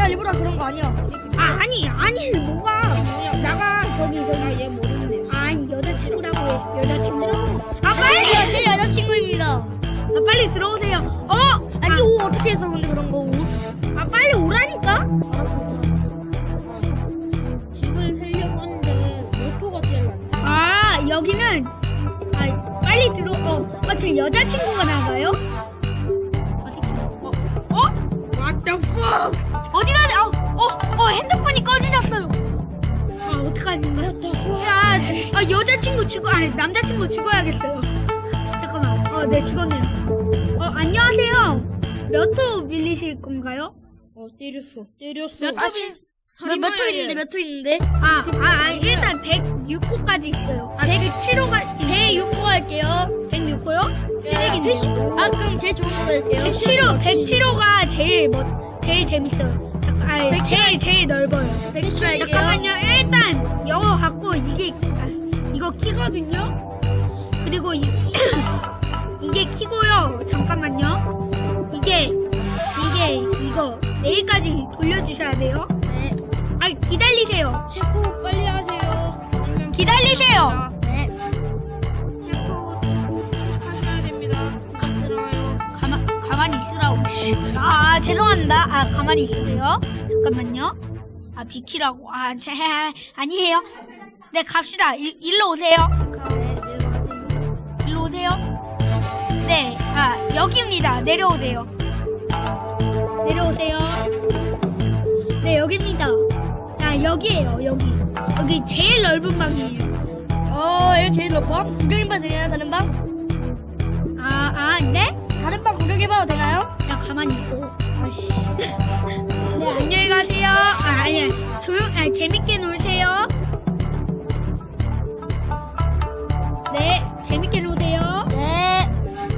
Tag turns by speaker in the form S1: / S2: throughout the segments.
S1: 일부러 그런 거 아니야.
S2: 아니 뭐가 나가 저기
S3: 얘 모르겠네.
S2: 아니 여자친구라고 해. 여자친구라고. 아 빨리
S1: 제 여자친구입니다.
S2: 빨리 들어오세요.
S1: 아니 옷 어떻게 해서 근데 그런 거 옷?
S2: 빨리 오라니까.
S1: 알았어.
S3: 집을 하려고 하는데 로또가 제일 많네.
S2: 여기는 빨리 들어. 제 여자친구가 나가요?
S3: What the fuck?
S2: 어디 가냐? 핸드폰이 꺼지셨어요. 어떡하지? 야, 여자친구 죽어, 남자친구 죽어야겠어요. 잠깐만. 네, 죽었네요. 안녕하세요. 몇 호 밀리실 건가요?
S3: 때렸어.
S1: 몇 호 있는데 몇 호 있는데?
S2: 일단 106호까지 있어요. 107호가,
S1: 106호 할게요.
S2: 106호요? 쓰레기네.
S1: 그럼 제일 좋은 거 할게요.
S2: 107호가 제일 재밌어요. 제일 넓어요.
S1: 107호 할게요.
S2: 잠깐만요. 일단 영어 갖고 이거 키거든요. 그리고 이게 키고요. 잠깐만요. 이거 내일까지 돌려주셔야 돼요.
S1: 네.
S2: 기다리세요.
S3: 체크 빨리 하세요.
S2: 기다리세요.
S1: 네.
S3: 체크 하셔야 됩니다. 들어와요.
S2: 가만히 있으라고. 죄송합니다. 가만히 있으세요. 잠깐만요. 비키라고. 아니에요. 네, 갑시다. 일로 오세요. 일로 오세요. 네, 여기입니다. 내려오세요. 네, 여기입니다. 여기에요, 여기. 여기 제일 넓은 방이에요.
S1: 여기 제일 높아? 구경해봐도 되나요, 다른 방?
S2: 네?
S1: 다른 방 구경해봐도 되나요?
S2: 그냥 가만히 있어. 네, 안녕히 가세요. 아니야. 재밌게 놀세요. 네, 재밌게 노세요.
S1: 네.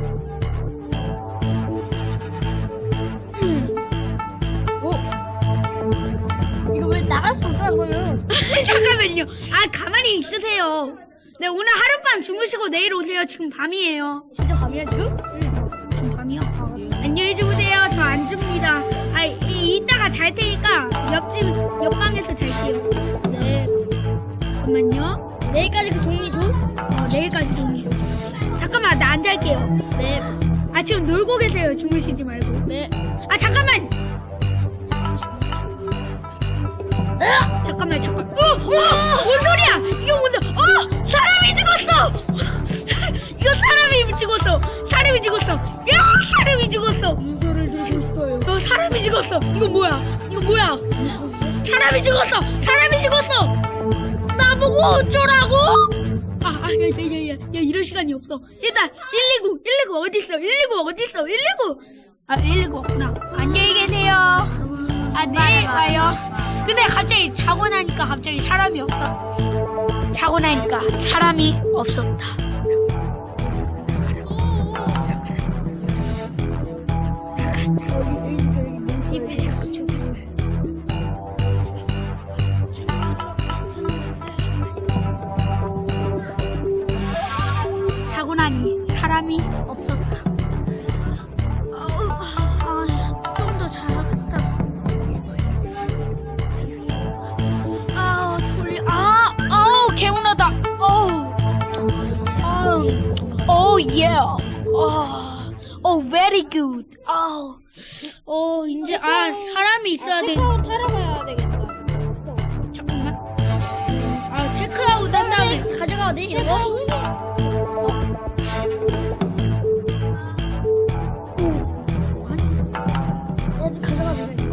S1: 이거 왜 나갈 수 없다고요?
S2: 잠깐만요. 가만히 있으세요. 네, 오늘 하룻밤 주무시고 내일 오세요. 지금 밤이에요.
S1: 진짜 밤이야 지금?
S2: 지금 밤이요? 안녕히 주무세요. 저 안 줍니다. 이따가 잘 테니까 옆방에서 잘게요.
S1: 네.
S2: 잠깐만요.
S1: 내일까지 그 종이 줘?
S2: 내일까지 종이 줘. 잠깐만, 나 안 잘게요.
S1: 네.
S2: 지금 놀고 계세요. 주무시지 말고.
S1: 네.
S2: 잠깐만. 잠깐만. 뭔 소리야? 이거 뭔 소리야? 사람이 죽었어. 이거 사람이 죽었어. 사람이 죽었어.
S1: 무소를 들고 있어요.
S2: 사람이 죽었어. 이거 뭐야? 사람이 죽었어. 나보고 어쩌라고? 야, 이럴 시간이 없어. 일단 119 어딨어? 119 없구나. 안녕히 계세요. 내일 와요. 근데 갑자기 자고 나니까 사람이 없다. 사람이 없었다. 집에 자꾸 자고 나니 사람이 없었다. 좀 더 자야겠다. 졸려. 개운하다. Yeah. Very good. 이제 사람이 있어야 돼.
S3: 체크아웃 하러 가야 되겠다.
S2: 잠깐만. 체크아웃 한 다음에
S1: 가져가도 돼 이거? 가져가도 돼.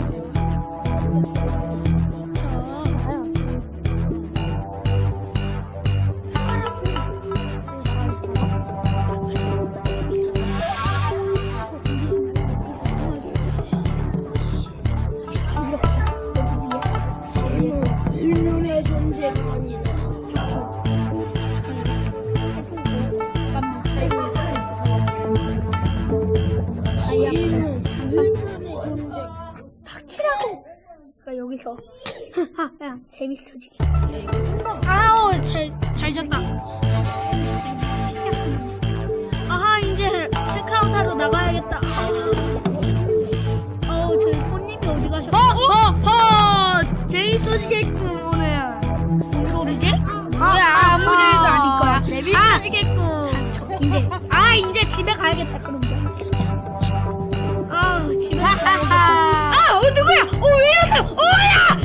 S3: 인륜의 존재가 아니라.
S2: 닥치라고. 여기서. 야, 재밌어지게. 잘 잤다. 이제 체크아웃 하러 나가야겠다. 저희 손님이 어디 가셨어? 이제 집에 가야겠다 그럼. 집에 가야겠다. 누구야? 왜 이러세요? 야!